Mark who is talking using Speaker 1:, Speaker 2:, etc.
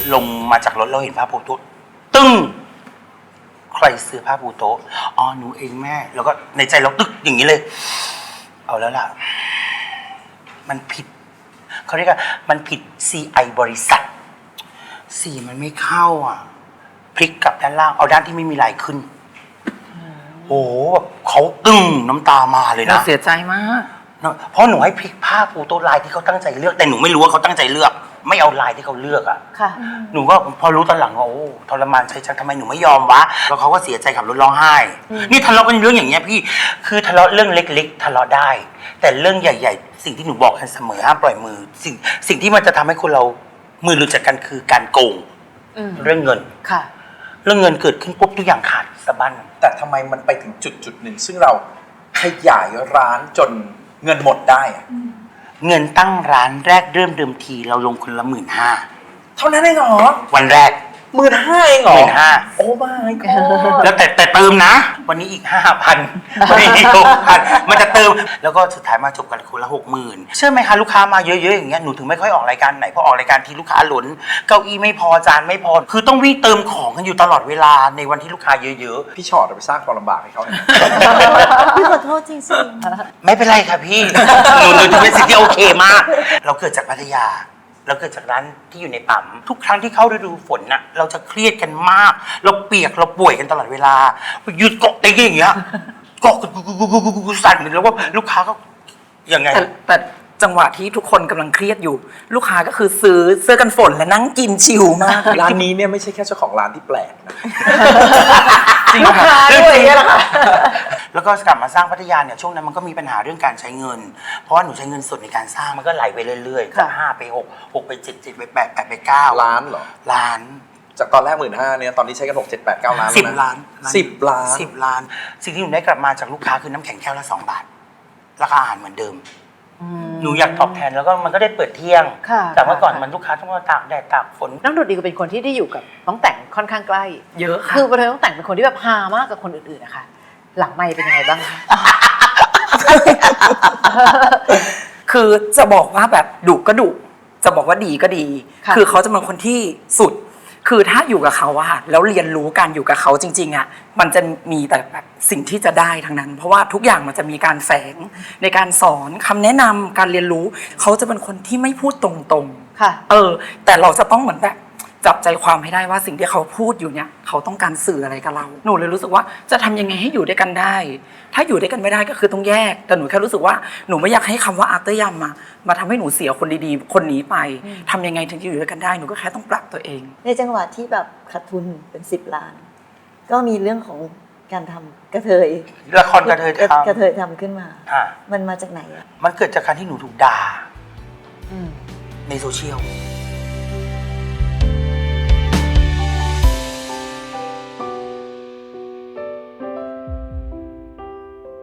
Speaker 1: ลงมาจากรถเราเห็นผ้าปูโต๊ะตึ้งใครซื้อผ้าปูโต๊ะอ๋อหนูเองแม่แล้วก็ในใจเราตึกอย่างนี้เลยเอาแล้วล่ะมันผิดเขาเรียกว่ามันผิด CI บริษัทสีมันไม่เข้าอ่ะพลิกกลับด้านล่างเอาด้านที่ไม่มีลายขึ้นโอ้โหแบบเขาตึ้งน้ำตามาเลยนะ
Speaker 2: เสียใจมาก
Speaker 1: เพราะหนูให้พลิกผ้าปูโต๊ะลายที่เขาตั้งใจเลือกแต่หนูไม่รู้ว่าเขาตั้งใจเลือกไม่เอาลายที่เขาเลือกอ่ะ
Speaker 3: ค่ะ
Speaker 1: หนูก็พอรู้ตอนหลังว่าโอ้ทรมานใช่จังทำไมหนูไม่ยอมวะแล้วเขาก็เสียใจขับรถร้องไห้นี่ทะเลาะกันเรื่องอย่างเงี้ยพี่คือทะเลาะเรื่องเล็กๆทะเลาะได้ แต่เรื่องใหญ่ๆสิ่งที่หนูบอกกันเสมอห้ามปล่อยมือสิ่งที่มันจะทำให้คนเรามือหลุดจากกันคือการโกงเรื่องเงิน
Speaker 3: ค่ะ
Speaker 1: เรื่องเงินเกิดขึ้นปุ๊บทุกอย่างขาดสะบั้น
Speaker 4: แต่ทำไมมันไปถึงจุดหนึ่งซึ่งเราขยายร้านจนเงินหมดได้อะ
Speaker 1: เงินตั้งร้านแรกเริ่มเดิมทีเราลงคนละ15,000
Speaker 4: เท่านั้นเองเหรอ
Speaker 1: วันแรก
Speaker 4: 15,000เองเหรอ
Speaker 1: 15,000
Speaker 4: โอ้ไม่ก็
Speaker 1: แล้วแต่เติมนะ วันนี้อีก 5,000 วันนี้อีก 6,000 มันจะเติมแล้วก็สุดท้ายมาจบกันคนละ 60,000 เชื่อไหมคะลูกค้ามาเยอะๆอย่างเงี้ยหนูถึงไม่ค่อยออกรายการไหนเพราะออกรายการที่ลูกค้าหล้นเก้าอี้ไม่พอจานไม่พอคือต้องวิ่งเติมของกันอยู่ตลอดเวลาในวันที่ลูกค้าเยอะ
Speaker 4: พี่ชอตไปสร้างความลำบากให้เขาเนี่ย
Speaker 3: พี่ขอโทษจริง
Speaker 1: ๆไม่เป็นไรค่ะพี่ หนูถือเป็นสิ่งที่โอเคมาก เราเกิดจากพัทยาเราเกิดจากร้านที่อยู่ในปั๊มทุกครั้งที่เข้าฤดูฝนน่ะเราจะเครียดกันมาก เราเปียกเราป่วยกันตลอดเวลาหยุดเกาะเต็งอย่างเงี้ยเกาะกูสั่นแล้วว่าลูกค้าก็ยังไง
Speaker 2: แต่จังหวะที่ทุกคนกำลังเครียดอยู่ ลูกค้าก็คือซื้อเสื้อกันฝนและนั่งกินชิลมาก
Speaker 4: ร้านนี้เนี่ยไม่ใช่แค่เจ้าของร้านที่แปลกนะ
Speaker 2: จริง
Speaker 3: ๆลูก
Speaker 2: ค่ะ
Speaker 3: ค้าด้วยเนี่ยนะคะ
Speaker 1: แล้วก็กลับมาสร้างพัทยาเนี่ยช่วงนั้นมันก็มีปัญหาเรื่องการใช้เงิน เพราะว่าหนูใช้เงินสดในการสร้างมันก็ไหลไปเรื่อยๆจาก
Speaker 3: ค่ะ
Speaker 1: 5 ไป 6 6 ไป 7 7 ไป 8 8 ไป 9
Speaker 4: ล้านเหรอ
Speaker 1: ล้าน
Speaker 4: จากตอนแรก15,000เนี่ยตอนนี้ใช้กัน6 7 8 9 ล้าน
Speaker 1: สิบ
Speaker 4: แล้วนะ
Speaker 1: ล้าน
Speaker 4: 10 ล้าน
Speaker 1: 10 ล้าน สิ่งที่หนูได้กลับมาจากลูกค้าคือน้ำแข็งแก้วละ2 บาทราคาอาหารเหมือนเดิมหนูอยากตอบแทนแล้วก็มันก็ได้เปิดเที่ยง
Speaker 3: ค่ะ
Speaker 1: แต่เมื่อก่อนมันลูกค้าต้องมาตากแดดตากฝน
Speaker 3: น้องดุดดีก็เป็นคนที่ได้อยู่กับน้องแต่งค่อนข้างใกล้
Speaker 2: เยอะค่ะ
Speaker 3: คือประเด็นน้องแต่งเป็นคนที่แบบฮามากกับคนอื่นๆนะคะหลังไมค์เป็นยังไงบ้างคะ
Speaker 2: คือจะบอกว่าแบบดุก็ดุจะบอกว่าดีก็ดี
Speaker 3: ค่ะ
Speaker 2: คือเขาจะเป็นคนที่สุด คือถ้าอยู่กับเขาอะแล้วเรียนรู้การอยู่กับเขาจริงๆอะมันจะมีแต่แบบสิ่งที่จะได้ทั้งนั้น เพราะว่าทุกอย่างมันจะมีการแฝงในการสอนคำแนะนำการเรียนรู้เขาจะเป็นคนที่ไม่พูดตรงๆ
Speaker 3: ค่ะ
Speaker 2: แต่เราจะต้องเหมือนแบบจับใจความให้ได้ว่าสิ่งที่เขาพูดอยู่เนี่ยเขาต้องการสื่ออะไรกับเราหนูเลยรู้สึกว่าจะทำยังไงให้อยู่ด้วยกันได้ ถ้าอยู่ด้วยกันไม่ได้ก็คือต้องแยกแต่หนูแค่รู้สึกว่าหนูไม่อยากให้คำว่าอาร์เตอร์ยำมาทำให้หนูเสียคนดีๆคนนี้ไปทำยังไงถึงจะอยู่ด้วยกันได้หนูก็แค่ต้องปรับตัวเอง
Speaker 5: ในจังหวะที่แบบขาดทุนเป็น10 ล้าน ก็มีเรื่องของการทำกระเทย
Speaker 1: ละครกระเทยทำ
Speaker 5: กระเทยทำขึ้นมา
Speaker 1: อ่ะ
Speaker 5: มันมาจากไหนอะ
Speaker 1: มันเกิดจากการที่หนูถูกด่า
Speaker 3: อืม
Speaker 1: ในโซเชียล